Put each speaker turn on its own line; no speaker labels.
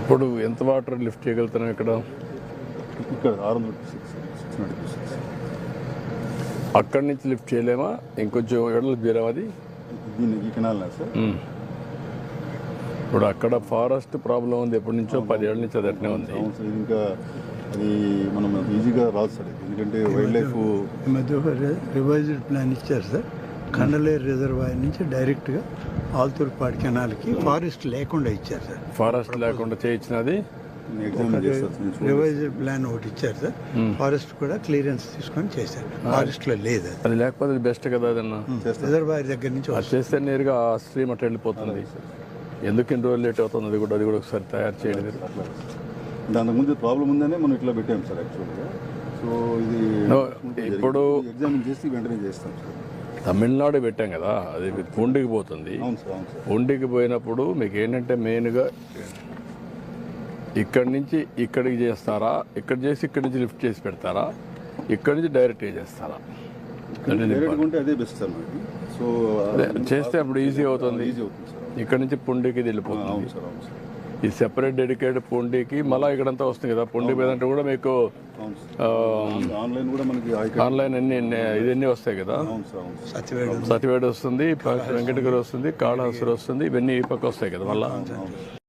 ఇప్పుడు ఎంత water lift చేయగలుగుతున్నాం ఇక్కడ?
ఇక్కడ 696
అక్కడి నుంచి లిఫ్ట్ చేయలేమా? ఇంకొంచెం ఎడలు బీరాం అది
దీన్ని ఈ కెనాల్నా సార్?
ఇప్పుడు అక్కడ ఫారెస్ట్ ప్రాబ్లం ఉంది, ఎప్పటి నుంచో 10 ఏళ్ళ నుంచి అది అట్నే ఉంది.
అవును సార్, ఇది ఇంకా అది మనం ఈజీగా రాదు సార్, ఎందుకంటే వైల్డ్ లైఫ్
ఈ మధ్య రివైజ్డ్ ప్లాన్ ఇచ్చారు సార్. కండలేరు రిజర్వాయర్ నుంచి డైరెక్ట్గా ఆల్తూర్పాడు కెనాల్కి ఫారెస్ట్ లేకుండా ఇచ్చారు సార్.
ఫారెస్ట్ లేకుండా చేయించినది
ఎగ్జామిన్ చేస్తారు.
రివైజ్డ్ ప్లాన్ ఒకటి ఇచ్చారు సార్. ఫారెస్ట్ కూడా క్లియరెన్స్ తీసుకొని చేశారు. ఫారెస్ట్ లో లేదు అది.
అది లేకపోతే బెస్ట్ కదా అదన్నా.
రిజర్వాయర్ దగ్గర నుంచి
అది చేస్తే నేరుగా ఆ స్ట్రీమ్ అట్లా వెళ్ళిపోతుంది. ఎందుకు ఇన్ని రోజులు లేట్ అవుతుంది? అది కూడా ఒకసారి తయారు చేయడం.
దానికి ముందు ప్రాబ్లం ఉందనే మనం ఇట్లా పెట్టాం సార్ యాక్చువల్గా. సో ఇది
ఇప్పుడు
ఎగ్జామిన్ చేసి వెంటనే చేస్తాం సార్.
తమిళనాడు పెట్టాం కదా, అది పూండికి పోతుంది.
అవును సార్, అవును సార్.
పూండికి పోయినప్పుడు మీకు ఏంటంటే మెయిన్గా ఇక్కడి నుంచి ఇక్కడికి చేస్తారా, ఇక్కడ చేసి ఇక్కడి నుంచి లిఫ్ట్ చేసి పెడతారా, ఇక్కడి నుంచి డైరెక్ట్ చేస్తారా?
డైరెక్ట్ ఉంటే అదే బెస్ట్ సార్ మనకి. సో
చేస్తే అప్పుడు ఈజీ అవుతుంది.
ఈజీ అవుతుంది సార్.
ఇక్కడ నుంచి పుండికి ఇది వెళ్ళిపోతుంది.
అవును సార్, అవును సార్.
ఈ సెపరేట్ డెడికేటెడ్ పుండికి మళ్ళీ ఇక్కడంతా వస్తుంది కదా. పుండి మీద అంటే కూడా మీకు
ఆన్లైన్ కూడా మనకి
ఆన్లైన్ ఇవన్నీ వస్తాయి కదా. సతివేడు వస్తుంది, వెంకటగిరి వస్తుంది, కాళహస్తి వస్తుంది, ఇవన్నీ ఈ పక్క వస్తాయి కదా మళ్ళీ.